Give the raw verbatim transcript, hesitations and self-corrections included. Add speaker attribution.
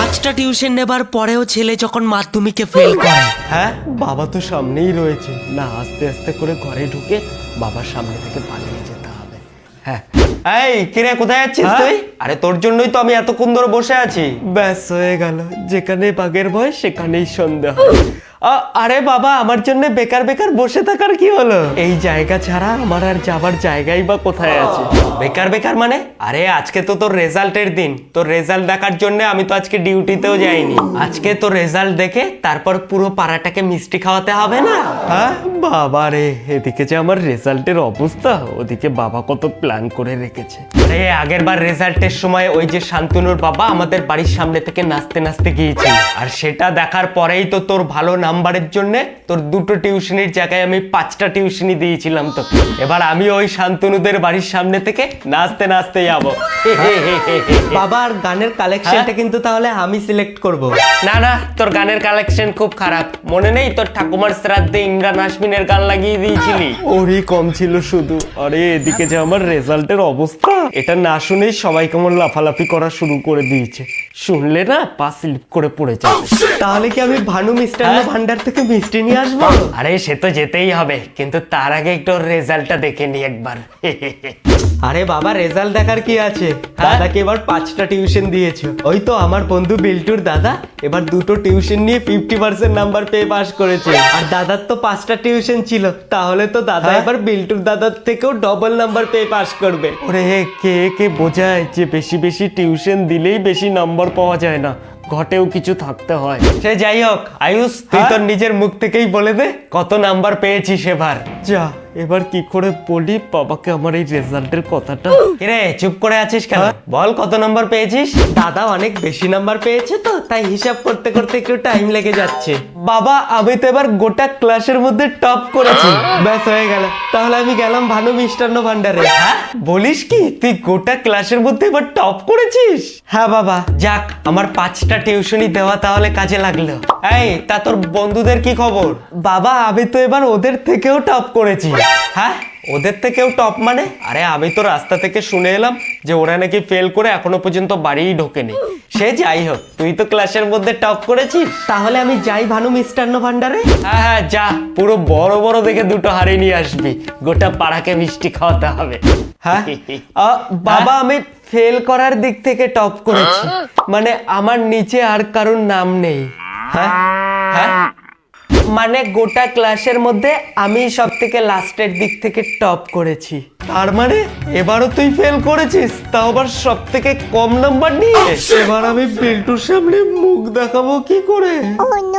Speaker 1: পাঁচটা টিউশন নেবার পরেও ছেলে যখন মাধ্যমিকে ফেল করে।
Speaker 2: হ্যাঁ, বাবা তো সামনেই রয়েছে, না আস্তে আস্তে করে ঘরে ঢুকে বাবার সামনে থেকে পালিয়ে যেতে হবে। হ্যাঁ, এই কিরে কোথায় যাচ্ছিস তুই? আরে তোর জন্যই তো আমি এতক্ষণ ধরে বসে আছি। ব্যাস হয়ে গেল, যেখানে বাঘের ভয় সেখানেই সন্দেহ। আ- আরে বাবা, আমার জন্য বেকার বেকার বসে থাকার কি হলো? এই জায়গা ছাড়া আমার আর যাবার জায়গাই বা কোথায় আছে? বেকার বেকার মানে? আরে আজকে তো তোর রেজাল্টের দিন, তোর রেজাল্ট দেখার জন্য আমি তো আজকে ডিউটিতেও যাইনি। আজকে তোর রেজাল্ট দেখে তারপর পুরো পাড়াটাকে মিষ্টি খাওয়াতে হবে না? হ্যাঁ বাবা রে, এদিকে যে আমার রেজাল্টের অবস্থা, ওদিকে বাবা কত প্ল্যান করে রেখেছে। আরে আগের বার রেজাল্টের সময় ওই যে শান্তনুর বাবা আমাদের বাড়ির সামনে থেকে নাচতে নাচতে গিয়েছিল, আর সেটা দেখার পরেই তো তোর ভালো নাম্বারের জন্য তোর দুটো টিউশনির জায়গায় আমি পাঁচটা টিউশনি দিয়েছিলাম তোকে। এবার আমি ওই শান্তনুদের বাড়ির সামনে থেকে নাচতে নাচতে যাবো।
Speaker 3: বাবা, আর গানের কালেকশনটা কিন্তু তাহলে আমি সিলেক্ট করব।
Speaker 2: না না, তোর গানের কালেকশন খুব খারাপ। মনে নেই তোর ঠাকুমার শ্রাদ্ধে ইমরান হাসমিনের গান লাগিয়ে দিয়েছিলি? ওরই কম ছিল শুধু। আরে এদিকে যে আমার রেজাল্টের অবস্থা, এটা না শুনেই সবাই কেমন লাফালাফি করা শুরু করে দিয়েছে। শুনলে না পা স্লিপ করে পড়ে যাবে।
Speaker 3: তাহলে কি আমি ভানু মিষ্টান্ন ভান্ডার থেকে মিষ্টি নিয়ে আসবো?
Speaker 2: আরে সে তো যেতেই হবে, কিন্তু তার আগে একটু রেজাল্টটা দেখে নি একবার।
Speaker 3: আরে বাবা, রেজাল্ট দেখার কি আছে? দাদাকে এবার পাঁচটা টিউশন দিয়েছো। ওই তো আমার বন্ধু বিল্টুর দাদা এবার দুটো টিউশন নিয়ে ফিফটি পার্সেন্ট নাম্বার পেয়ে পাস করেছে। আর দাদার তো পাঁচটা টিউশন ছিল, তাহলে তো দাদা এবার বিল্টুর দাদার থেকেও ডবল নাম্বার পেয়ে পাস করবে।
Speaker 2: ওরে কে কে বোঝায় যে বেশি বেশি টিউশন দিলেই বেশি নাম্বার পাওয়া যায় না, ঘটেও কিছু থাকতে হয়। সে যাই হোক, আয়ুষ তুই তোর নিজের মুখ থেকেই বলে দে কত নাম্বার পেয়েছিস এবার। যা, এবার কি করে বলি বাবাকে আমার এই রেজাল্টের কথাটা? কিরে চুপ করে আছিস কেন? বল কত নাম্বার পেয়েছিস?
Speaker 3: দাদা অনেক বেশি নাম্বার পেয়েছে তো তাই হিসাব করতে করতে একটু টাইম লেগে যাচ্ছে।
Speaker 2: বাবা, আমি তো এবার গোটা ক্লাসের মধ্যে টপ করেছি।
Speaker 3: ব্যাস হয়ে গেল, তাহলে আমি গেলাম ভানু মিষ্টান্ন ভান্ডারে।
Speaker 2: হ্যাঁ বলিস কি, তুই গোটা ক্লাসের মধ্যে এবার টপ করেছিস?
Speaker 3: হ্যাঁ বাবা।
Speaker 2: যাক, আমার পাঁচটা টিউশনি দেওয়া তাহলে কাজে লাগলো। এই তা তোর বন্ধুদের কি খবর?
Speaker 3: বাবা, আমি তো এবার ওদের
Speaker 2: থেকেও টপ করেছি। হ্যাঁ, ওদের থেকেও টপ মানে? আরে আমি তো রাস্তা থেকে শুনে এলাম যে ওরা নাকি ফেল করে এখনো পর্যন্ত বাড়িই ঢোকেনি। সে যাই হোক, তুই তো ক্লাসের মধ্যে টপ করেছিস।
Speaker 3: তাহলে আমি যাই ভানু মিষ্টান্ন ভান্ডারে?
Speaker 2: হ্যাঁ হ্যাঁ যা, পুরো বড় বড় দেখে দুটো হাড়ি নিয়ে আসবি, গোটা পাড়াকে মিষ্টি খাওয়াতে হবে।
Speaker 3: হ্যাঁ বাবা, আমি ফেল করার দিক থেকে টপ করেছি, মানে আমার নিচে আর কারোর নাম নেই।
Speaker 2: হ্যাঁ হ্যাঁ
Speaker 3: মানে গোটা ক্লাসের মধ্যে আমি সব থেকে লাস্টের দিক থেকে টপ করেছি।
Speaker 2: তার মানে এবারও তুই ফেল করেছিস, তাও আবার সব থেকে কম নাম্বার নিয়ে। এবার আমি বিল্টুর সামনে মুখ দেখাবো কি করে?